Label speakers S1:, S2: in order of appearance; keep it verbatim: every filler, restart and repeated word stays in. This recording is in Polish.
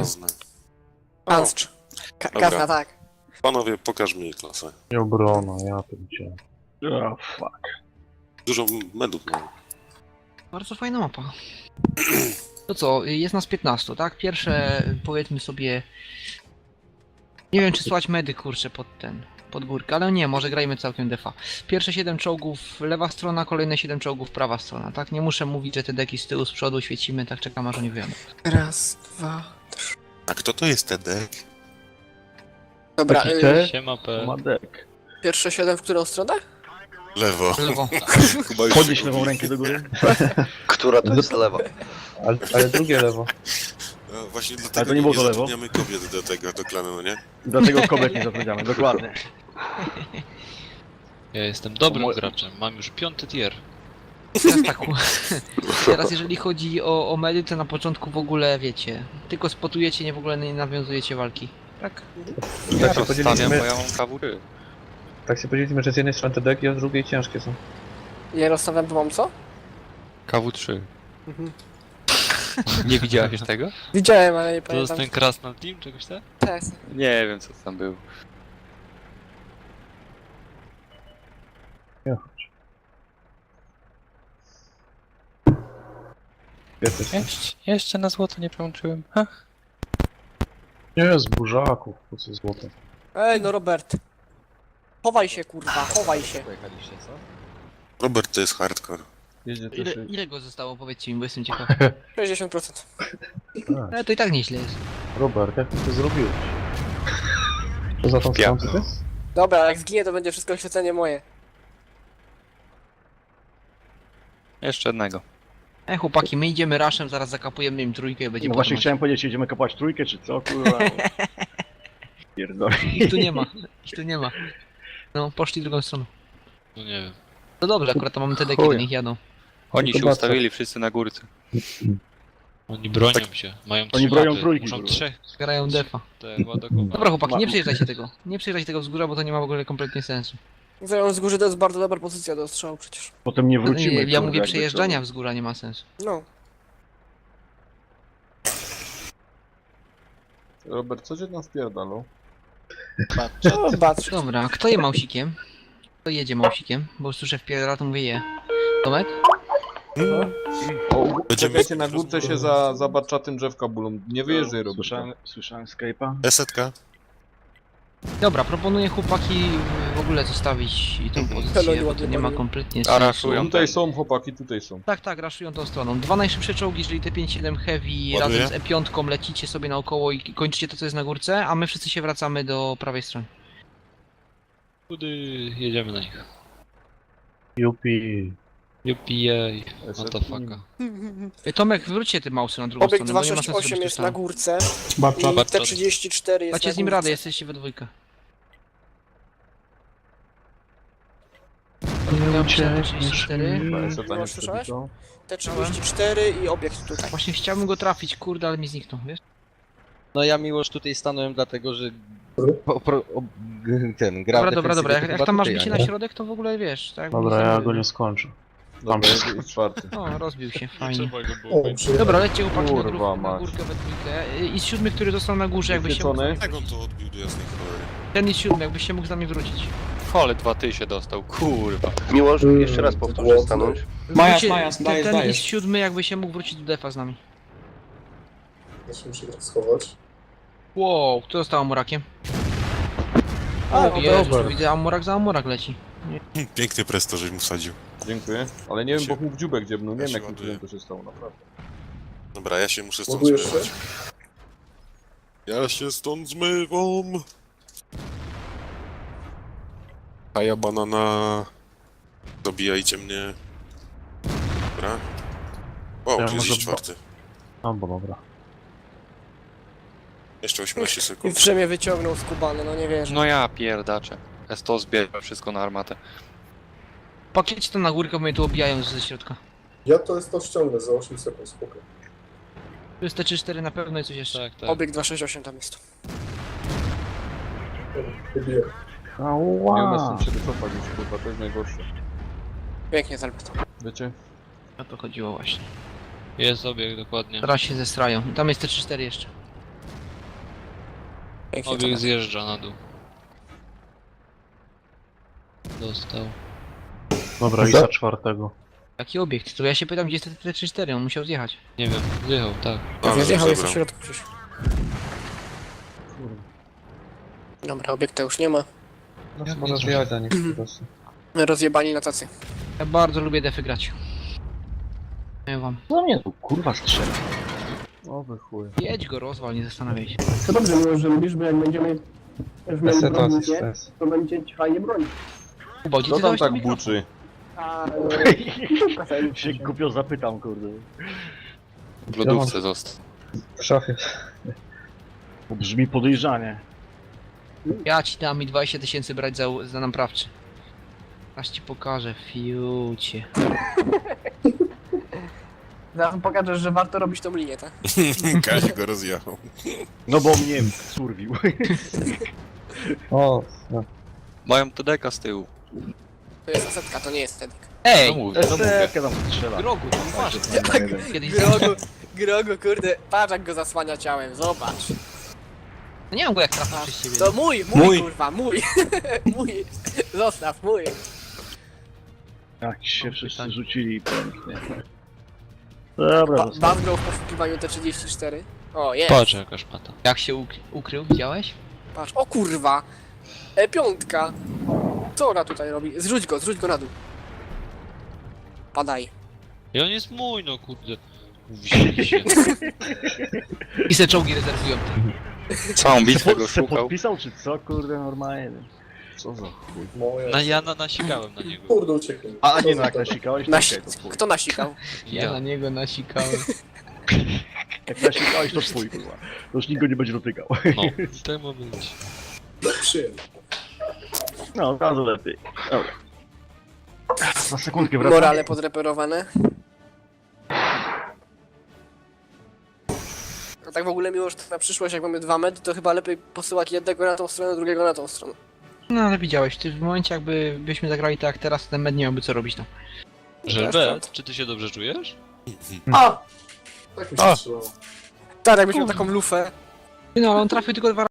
S1: Kazna.
S2: Panstrz. Ka Kazna, tak.
S1: Panowie, pokaż mi klasę.
S3: Nie obrona, ja pierdzielę.
S4: Oh, fuck.
S1: Dużo medów mam.
S5: Bardzo fajna mapa. To co, jest nas piętnastu, tak? Pierwsze, powiedzmy sobie... Nie wiem, czy słać medy, kurczę, pod ten... pod górkę, ale nie, może grajmy całkiem defa. Pierwsze siedem czołgów lewa strona, kolejne siedem czołgów prawa strona, tak? Nie muszę mówić, że te deki z tyłu, z przodu świecimy, tak czekam aż oni wyjadą.
S2: Raz, dwa, trzy.
S1: A kto to jest Tedek?
S2: Dobra,
S4: Taki
S2: y
S4: te?
S6: Siema P.
S4: Ma dek.
S2: pierwsze siedem w którą stronę?
S1: Lewo.
S5: Lewo.
S1: Chyba już
S4: Podnieś
S1: się
S4: lewą
S1: gubi.
S4: rękę do góry.
S7: Która to jest lewa?
S3: Ale, ale drugie lewo.
S1: No, właśnie
S4: Ale
S1: dlatego
S4: to nie było
S1: nie
S4: to lewo?
S1: zatrudniamy kobiet do tego, do klanu, no nie?
S4: Dlatego kobiet nie zapowiedziamy, dokładnie.
S6: Ja jestem dobrym
S4: Moje-
S6: graczem, mam już piąty tier.
S5: Teraz tak. Teraz jeżeli chodzi o, o medy, to na początku w ogóle wiecie. Tylko spotujecie, nie w ogóle nie nawiązujecie walki. Tak?
S3: Tak się
S6: Stawiam,
S3: podzieliliśmy,
S6: bo ja mam kawury.
S3: tak się podzieliliśmy, że z jednej strony te deki, a z drugiej ciężkie są.
S2: Ja rozstawiam, bo mam co?
S6: K W trzy.
S2: Mhm.
S6: Nie widziałeś tego?
S2: Widziałem, ale nie
S6: To jest
S2: pamiętam.
S6: ten Krasnal Team, czegoś tak?
S2: Tak.
S6: Nie wiem co tam był.
S3: Jesteś.
S6: Jeszcze, jeszcze na złoto nie przełączyłem. Ach.
S3: Nie, z burzaków, po co złote.
S2: Ej, no Robert. Chowaj się, kurwa, chowaj się.
S7: Pojechaliście, co?
S1: Robert to jest hardcore.
S4: Jedzie
S5: Ile,
S4: też...
S5: ile go zostało, powiedzcie mi, bo jestem ciekaw.
S2: sześćdziesiąt procent.
S3: A,
S5: Ale to i tak nieźle jest.
S3: Robert, jak ty to zrobiłeś? To za tą stronę ty?
S2: Dobra, jak zginie, to będzie wszystko oświecenie moje.
S6: Jeszcze jednego.
S5: E chłopaki, my idziemy raszem, zaraz zakapujemy im trójkę i będzie
S4: No
S5: po
S4: właśnie
S5: temacie.
S4: chciałem powiedzieć, jedziemy kapać trójkę, czy co, kurwa? Pierdolę.
S5: Ich tu nie ma, ich tu nie ma. No, poszli drugą stroną.
S6: No nie wiem.
S5: No dobrze, akurat to mamy te deki,
S4: Chuja.
S5: do nich jadą.
S6: Oni
S3: To
S6: się
S3: bardzo.
S6: ustawili wszyscy na górce. Oni bronią się, mają trzy
S4: Oni bronią
S6: mapy.
S4: trójki,
S6: Muszą
S4: kurwa.
S6: trzech
S5: Grają defa.
S6: te ładokować.
S5: Dobra chłopaki, nie
S4: Ma-
S5: przejeżdżajcie tego. Nie przejeżdżajcie tego wzgórza, bo to nie ma w ogóle kompletnie sensu.
S2: Zając z góry to jest bardzo dobra pozycja do strzału przecież.
S4: Potem nie
S5: No,
S4: wrócimy.
S5: nie, ja
S4: kurwa,
S5: mówię
S4: jakby
S5: przejeżdżania
S4: co.
S5: wzgórza, nie ma sensu.
S2: No.
S8: Robert, co cię tam wpierdalą?
S2: No, patrz.
S5: Dobra, kto je mausikiem? Kto jedzie mausikiem? Bo już słyszę wpierdala, to mówię je. Tomek?
S8: O,
S1: Będziemy-
S8: czekajcie, na górce się za, za barczatym drzewka bulą. Nie wyjeżdżaj, Robert.
S4: Słyszałem, słyszałem Skype'a.
S1: Esetka?
S5: Dobra, proponuję chłopaki w ogóle zostawić i tą pozycję,
S2: Peloni
S5: bo to
S2: ładnie
S5: nie ma
S2: paliły.
S5: kompletnie
S6: A
S5: sensu.
S6: raszują
S8: Tutaj
S6: ten.
S8: są chłopaki, tutaj są.
S5: Tak, tak, raszują tą stroną. Dwa najszybsze czołgi, czyli te pięć siedem Heavy
S1: Ładuje?
S5: razem z E pięć lecicie sobie naokoło i kończycie to, co jest na górce, a my wszyscy się wracamy do prawej strony.
S6: Kudy jedziemy na nich.
S3: Jupi.
S6: Jupi, what the fucka.
S5: Ej, Tomek, wróćcie tym mausem na drugą
S2: Obiekt
S5: stronę, bo nie ma
S2: dwieście
S5: sensu
S2: sześćdziesiąt osiem
S5: robić
S2: jest
S5: tu
S2: na
S5: samo.
S2: górce
S3: Babcza.
S2: i
S6: Babcza.
S2: T trzydzieści cztery jest
S5: Dacie
S2: na
S5: z nim
S2: górce.
S5: radę, jesteście we dwójkę. Ja muszę T trzydzieści cztery.
S8: Chyba jeszcze
S2: No,
S8: nie
S2: słyszałeś?
S8: przebiegał.
S2: T trzydzieści cztery i obiekt tutaj.
S5: Właśnie chciałbym go trafić, kurde, ale mi zniknął, wiesz?
S7: No ja miłoż tutaj stanąłem dlatego, że... Po, pro, o, g- ten, gra
S5: Dobra,
S7: w
S5: dobra, dobra,
S7: defensywie,
S5: jak,
S7: to
S5: jak
S7: chyba
S5: tam masz
S7: tutaj,
S5: bicie
S7: a
S5: na
S7: nie?
S5: środek, to w ogóle wiesz, tak?
S3: Dobra,
S5: Nic
S3: ja
S5: nie
S3: go nie
S5: mówię.
S3: skończę.
S8: Dobra, jest, jest czwarty.
S5: O, rozbił się, fajnie.
S6: Trzeba go było będzie.
S5: Dobra, lećcie chłopaki na,
S8: Kurwa
S5: górkę, na
S8: mać.
S5: górkę we dwójkę. I z siódmy, który został na górze, jakbyś się mógł...
S8: Wyświecony.
S1: Jak on to odbił do jasnej cholery?
S5: Ten jest siódmy, jakbyś się mógł z nami wrócić.
S6: Ale dwa ty się dostał, kurwa.
S7: Miłoż, jeszcze raz powtórzę stanąć.
S5: Majas, Majas, ten, ten jest siódmy, jakby się mógł wrócić do defa z nami.
S9: Ja się muszę tak schować.
S5: Wow, kto został Amurakiem?
S2: A,
S5: O Jezu,
S3: dobra.
S5: widzę Amurak za Amurak leci.
S1: Hm, Piękny presto, żeś mu wsadził.
S8: Dziękuję. Ale nie wiem, bo
S1: Się-
S8: mu w dziubek dziebnął. Nie
S1: ja
S8: wiem,
S1: się
S8: jakim
S1: ładuję.
S8: cudem to się stało, naprawdę.
S1: Dobra, ja się muszę stąd
S9: Ładujesz
S1: zmywać.
S9: się?
S1: Ja się stąd zmywam. A ja banana. Dobijajcie mnie. Dobra. Wow,
S3: Ja
S1: tu jest
S3: może
S1: już czwarty.
S3: A, bo dobra.
S1: Jeszcze osiemnaście
S2: I
S1: sekund.
S2: w Rzymie wyciągnął skubany, no nie wierzę.
S6: No ja pierdaczę. S to zbiera wszystko na armatę.
S5: Pakiecie to na górkę, bo mnie tu obijają ze środka.
S9: Ja to jest to ściągnę za osiem sekund, spoko.
S5: Tu jest T trzydzieści cztery na pewno i coś jeszcze.
S6: Tak, tak.
S2: Obiekt dwieście sześćdziesiąt osiem tam jest.
S9: Wybiję.
S8: Nie umiem
S3: Ała.
S8: stąd się wycofać już, kurwa, to jest najgorsze.
S2: Pięknie Zelbet.
S8: Wiecie?
S5: O to chodziło właśnie.
S6: Jest obieg, dokładnie.
S5: Teraz się zestrają. I tam jest T trzydzieści cztery jeszcze.
S2: Pięknie to
S6: Obieg
S2: ma.
S6: zjeżdża na dół. Dostał.
S3: Dobra, i za czwartego.
S5: Jaki obiekt? To ja się pytam, gdzie jest T trzydzieści cztery, on musiał zjechać.
S6: Nie wiem, zjechał, tak.
S2: Ja zjechał, jest w
S1: zabrał.
S2: środku gdzieś. Dobra, obiekta już nie ma.
S3: No,
S6: Jak
S3: może
S6: nie
S3: zjechać za nich po prostu.
S2: Rozjebani na tacy.
S5: Ja bardzo lubię defy grać. Nie wam.
S3: No mnie tu kurwa strzela. O wy chuj.
S5: Jedź go, rozwal, nie zastanawiaj się.
S10: To dobrze, miło, że lubisz, bo jak będziemy już mieli
S3: Stres,
S10: bronić, nie?
S3: stres.
S10: To będzie ci fajnie bronić.
S5: Kubo, gdzie
S8: Co
S5: ty
S8: tam
S5: dałeś ten
S8: tak
S5: mikrofon?
S8: buczy?
S10: A,
S4: Się głupio zapytam, kurde.
S1: W lodówce został.
S3: W szafie.
S4: To brzmi podejrzanie.
S5: Ja ci dam mi dwadzieścia tysięcy brać za, za naprawczy. Aż ci pokażę, fiucie.
S2: Zaraz mu pokażesz, że warto robić tą linię, tak?
S1: Kazik go rozjechał.
S4: No bo mnie surwił.
S3: O, no.
S6: Mają T D K z tyłu.
S2: To jest asetka, to nie jest Tedik.
S5: Ej!
S6: No mówię, no mówię.
S4: Esetkę tam strzela.
S5: Grogu, to uważaj. Kiedyś
S2: Grogu, Grogu, kurde, patrz jak go zasłania ciałem, zobacz.
S5: No nie mam go jak trafić przez ciebie.
S2: To mój, mój,
S1: Mój.
S2: kurwa, mój. Mój. Zostaw, mój.
S4: Jak się
S5: Mam
S4: wszyscy
S5: pytanie.
S4: rzucili pięknie. Dobra,
S2: Ba
S4: dostałem.
S2: Bazgrał w poszukiwaniu T trzydzieści cztery. O, jest.
S6: Patrz jaka szmata.
S5: Jak się uk ukrył, widziałeś?
S2: Patrz, o kurwa. E piątka. Co ona tutaj robi? Zrzuć go, zrzuć go na dół. Padaj.
S6: I on jest mój, no kurde. Wzięli się.
S5: I se czołgi rezerwują.
S6: Całą bitwę
S4: Se,
S6: go
S4: se
S6: szukał.
S4: podpisał czy co? Kurde, normalnie. Co za chuj.
S9: Moje.
S6: Na Jana nasikałem na niego.
S9: Kurde, uciekłem.
S4: A, a
S9: Co
S4: nie
S9: za
S4: no, jak
S9: to?
S4: nasikałeś, to
S2: Nasi
S4: okej, to twój.
S2: Kto nasikał?
S5: Ja na
S6: Ja.
S5: niego nasikałem.
S4: Jak nasikałeś, to twój, kurwa. To już nikt go nie będzie dotykał.
S6: No, tak ma być.
S9: Przyjem.
S4: No, od razu lepiej. Dobra. Za sekundkę wracam.
S2: Morale podreperowane. A tak w ogóle miło, że to na przyszłość, jak mamy dwa medy, to chyba lepiej posyłać jednego na tą stronę, drugiego na tą stronę.
S5: No ale widziałeś, ty w momencie jakby byśmy zagrali tak jak teraz, ten med nie miałby co robić tam.
S6: Żelbet, czy ty się dobrze czujesz?
S9: A! Tak mi się strzelało.
S2: Tak, jakbyś miał taką lufę.
S5: No ale on trafił tylko dwa